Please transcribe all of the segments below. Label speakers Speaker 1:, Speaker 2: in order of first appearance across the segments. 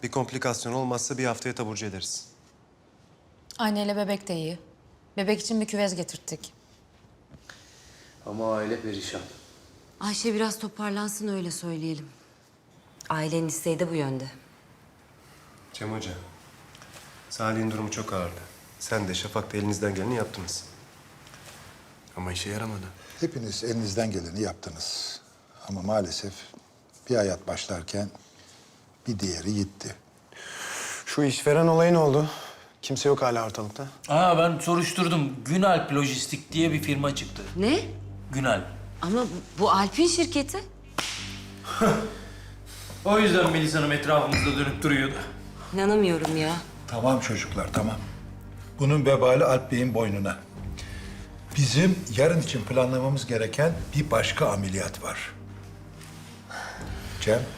Speaker 1: Bir komplikasyon olmazsa bir haftaya taburcu ederiz.
Speaker 2: Anneyle bebek de iyi. Bebek için bir küvez getirttik.
Speaker 3: Ama aile perişan.
Speaker 4: Ayşe biraz toparlansın öyle söyleyelim. Ailenin isteği de bu yönde.
Speaker 1: Cem Hoca, Salih'in durumu çok ağırdı. Sen de Şafak da elinizden geleni yaptınız.
Speaker 3: Ama işe yaramadı.
Speaker 5: Hepiniz elinizden geleni yaptınız. Ama maalesef bir hayat başlarken bir diğeri gitti.
Speaker 6: Şu işveren olayı ne oldu? Kimse yok hala ortalıkta.
Speaker 7: Ben soruşturdum. Günalp Lojistik diye bir firma çıktı.
Speaker 4: Ne?
Speaker 7: Günalp.
Speaker 4: Ama bu Alp'in şirketi.
Speaker 7: O yüzden Melis Hanım etrafımızda dönüp duruyordu.
Speaker 4: İnanamıyorum ya.
Speaker 5: Tamam çocuklar, tamam. Bunun vebali Alp Bey'in boynuna. Bizim yarın için planlamamız gereken bir başka ameliyat var. Cem,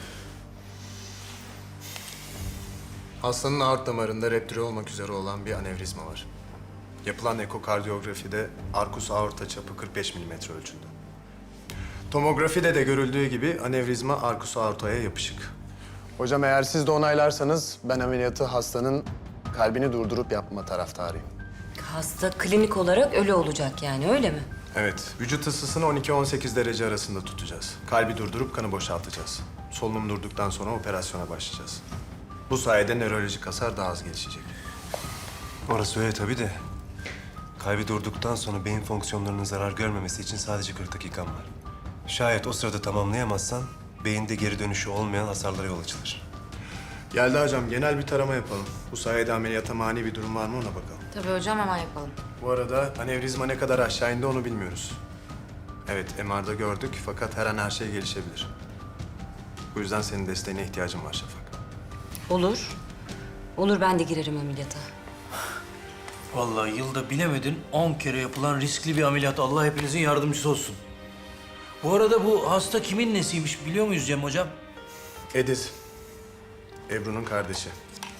Speaker 3: Hastanın aort damarında reptire olmak üzere olan bir anevrizma var. Yapılan ekokardiyografide arkus aorta çapı 45 milimetre ölçüldü. Tomografide de görüldüğü gibi anevrizma arkus aortaya yapışık. Hocam eğer siz de onaylarsanız ben ameliyatı hastanın kalbini durdurup yapma taraftarıyım.
Speaker 4: Hasta klinik olarak ölü olacak yani öyle mi?
Speaker 3: Evet, vücut ısısını 12-18 derece arasında tutacağız. Kalbi durdurup kanı boşaltacağız. Solunum durduktan sonra operasyona başlayacağız. Bu sayede nörolojik hasar daha az gelişecek.
Speaker 1: Orası öyle tabii de. Kalbi durduktan sonra beyin fonksiyonlarının zarar görmemesi için sadece 40 dakikan var. Şayet o sırada tamamlayamazsan beyinde geri dönüşü olmayan hasarlara yol açılır.
Speaker 3: Yelda hocam, genel bir tarama yapalım. Bu sayede ameliyata mani bir durum var mı ona bakalım.
Speaker 2: Tabii hocam, hemen yapalım.
Speaker 3: Bu arada anevrizma ne kadar aşağı indi onu bilmiyoruz. Evet, MR'da gördük fakat her an her şey gelişebilir. Bu yüzden senin desteğine ihtiyacım var Şafak.
Speaker 4: Olur. Olur ben de girerim ameliyata.
Speaker 7: Vallahi yılda bilemedin 10 kere yapılan riskli bir ameliyat. Allah hepinizin yardımcısı olsun. Bu arada bu hasta kimin nesiymiş biliyor muyuz Cem hocam?
Speaker 3: Ediz, Ebru'nun kardeşi.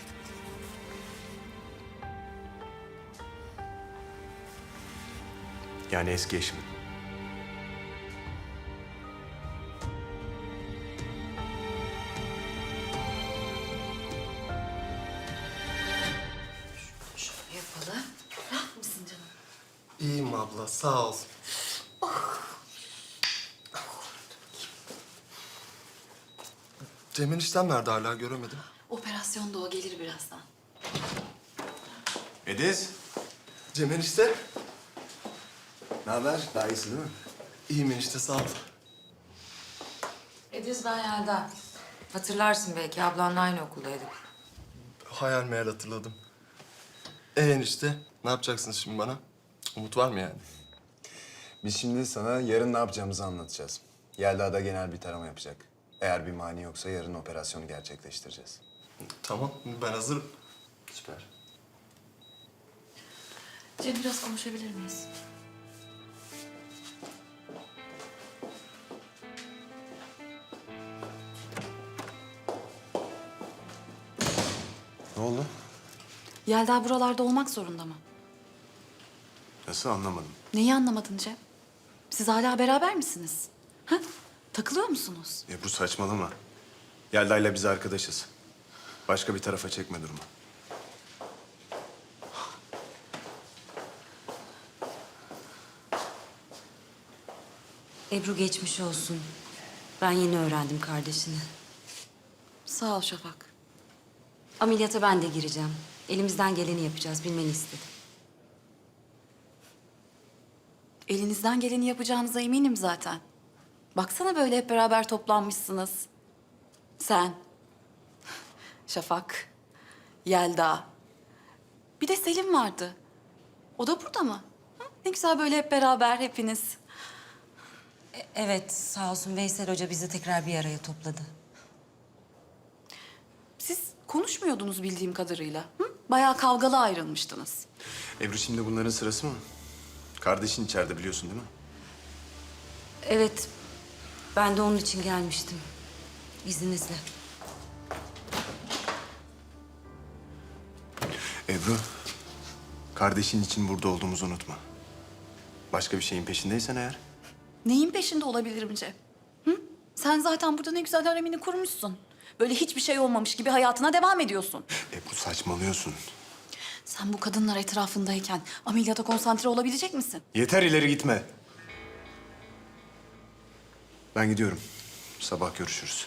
Speaker 3: Yani eski eşimin.
Speaker 4: Şöyle yapalım. Rahat mısın canım?
Speaker 8: İyiyim abla, sağ ol. Cem eniştem nerede hala göremedim.
Speaker 2: Operasyonda o gelir birazdan.
Speaker 3: Ediz,
Speaker 8: Cem enişte.
Speaker 3: ne haber? Daha iyisin değil mi?
Speaker 8: İyiyim enişte, sağ ol.
Speaker 2: Ediz, ben Yelda. Hatırlarsın belki, ablanla aynı okuldaydık.
Speaker 8: Hayal meyal hatırladım. Enişte, ne yapacaksınız şimdi bana? Umut var mı yani?
Speaker 9: Biz şimdi sana yarın ne yapacağımızı anlatacağız. Yelda da genel bir tarama yapacak. Eğer bir mani yoksa yarın operasyonu gerçekleştireceğiz.
Speaker 8: Tamam, ben hazırım.
Speaker 9: Süper.
Speaker 2: Cem, biraz konuşabilir miyiz?
Speaker 9: Ne oldu?
Speaker 10: Yelda buralarda olmak zorunda mı?
Speaker 3: Nasıl anlamadım.
Speaker 10: Neyi anlamadın Cem? Siz hala beraber misiniz? Ha? Takılıyor musunuz?
Speaker 3: Ebru saçmalama. Yelda'yla biz arkadaşız. Başka bir tarafa çekme durumu.
Speaker 4: Ebru geçmiş olsun. Ben yeni öğrendim kardeşini.
Speaker 10: Sağ ol Şafak.
Speaker 4: Ameliyata ben de gireceğim. Elimizden geleni yapacağız bilmeni istedim.
Speaker 10: Elinizden geleni yapacağınıza eminim zaten. Baksana böyle hep beraber toplanmışsınız. Sen, Şafak, Yelda. Bir de Selim vardı. O da burada mı? Hı? Ne güzel böyle hep beraber hepiniz.
Speaker 4: Evet sağ olsun Veysel Hoca bizi tekrar bir araya topladı.
Speaker 10: Siz konuşmuyordunuz bildiğim kadarıyla. Hı? Bayağı kavgalı ayrılmıştınız.
Speaker 3: Ebru şimdi bunların sırası mı? Kardeşin içeride biliyorsun değil mi?
Speaker 4: Evet ben de onun için gelmiştim. İzninizle.
Speaker 3: Ebru, kardeşin için burada olduğumuzu unutma. Başka bir şeyin peşindeysen eğer.
Speaker 10: Neyin peşinde olabilirim Cem? Hı? Sen zaten burada ne güzel haremini kurmuşsun. Böyle hiçbir şey olmamış gibi hayatına devam ediyorsun.
Speaker 3: Ebru saçmalıyorsun.
Speaker 10: Sen bu kadınlar etrafındayken ameliyata konsantre olabilecek misin?
Speaker 3: Yeter ileri gitme. Ben gidiyorum. Sabah görüşürüz.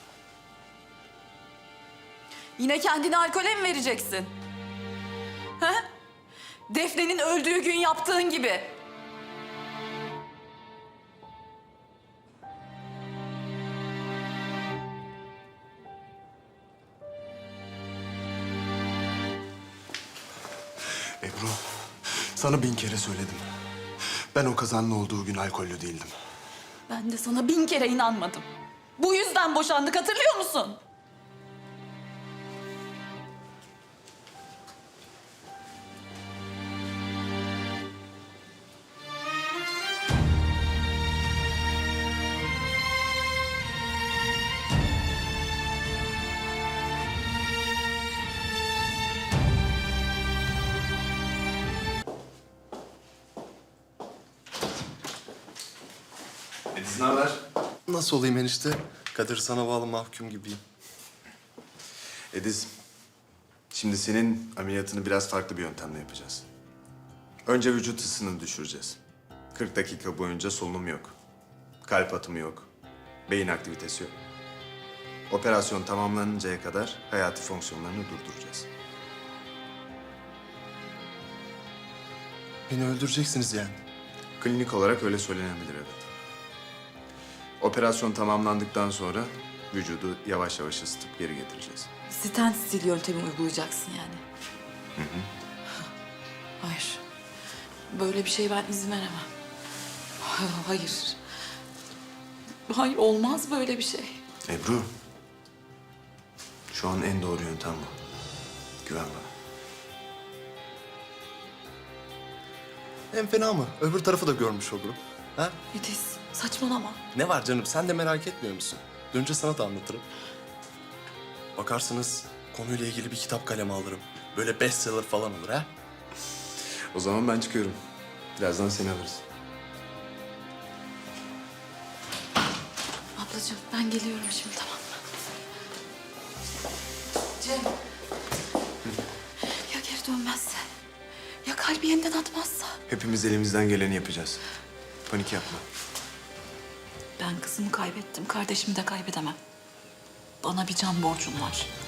Speaker 10: Yine kendini alkole mi vereceksin? He? Defne'nin öldüğü gün yaptığın gibi.
Speaker 3: Ebru, sana 1000 kere söyledim. Ben o kazanın olduğu gün alkollü değildim.
Speaker 10: Ben de sana 1000 kere inanmadım. Bu yüzden boşandık, hatırlıyor musun?
Speaker 9: Ediz ne haber?
Speaker 8: Nasıl olayım enişte? Kadir sana bağlı mahkum gibiyim.
Speaker 9: Ediz, şimdi senin ameliyatını biraz farklı bir yöntemle yapacağız. Önce vücut ısını düşüreceğiz. 40 dakika boyunca solunum yok. Kalp atımı yok. Beyin aktivitesi yok. Operasyon tamamlanıncaya kadar hayati fonksiyonlarını durduracağız.
Speaker 8: Beni öldüreceksiniz yani.
Speaker 9: Klinik olarak öyle söylenebilir, evet. Operasyon tamamlandıktan sonra vücudu yavaş yavaş ısıtıp geri getireceğiz.
Speaker 10: Stent stil yöntemi uygulayacaksın yani. Hayır. Böyle bir şeye ben izin veremem. Hayır. Hayır, olmaz böyle bir şey.
Speaker 9: Ebru, şu an en doğru yöntem bu. Güven bana.
Speaker 8: En fena mı? Öbür tarafı da görmüş olurum. Ha?
Speaker 10: Ediz, saçmalama.
Speaker 8: Ne var canım? Sen de merak etmiyor musun? Dönünce sana da anlatırım. Bakarsınız konuyla ilgili bir kitap kalemi alırım. Böyle bestseller falan olur ha?
Speaker 9: O zaman ben çıkıyorum. Birazdan seni alırız.
Speaker 10: Ablacığım ben geliyorum şimdi, tamam mı? Cem. Ya geri dönmezse? Ya kalbi yeniden atmazsa?
Speaker 9: Hepimiz elimizden geleni yapacağız. Panik yapma.
Speaker 10: Ben kızımı kaybettim, kardeşimi de kaybedemem. Bana bir can borcun var.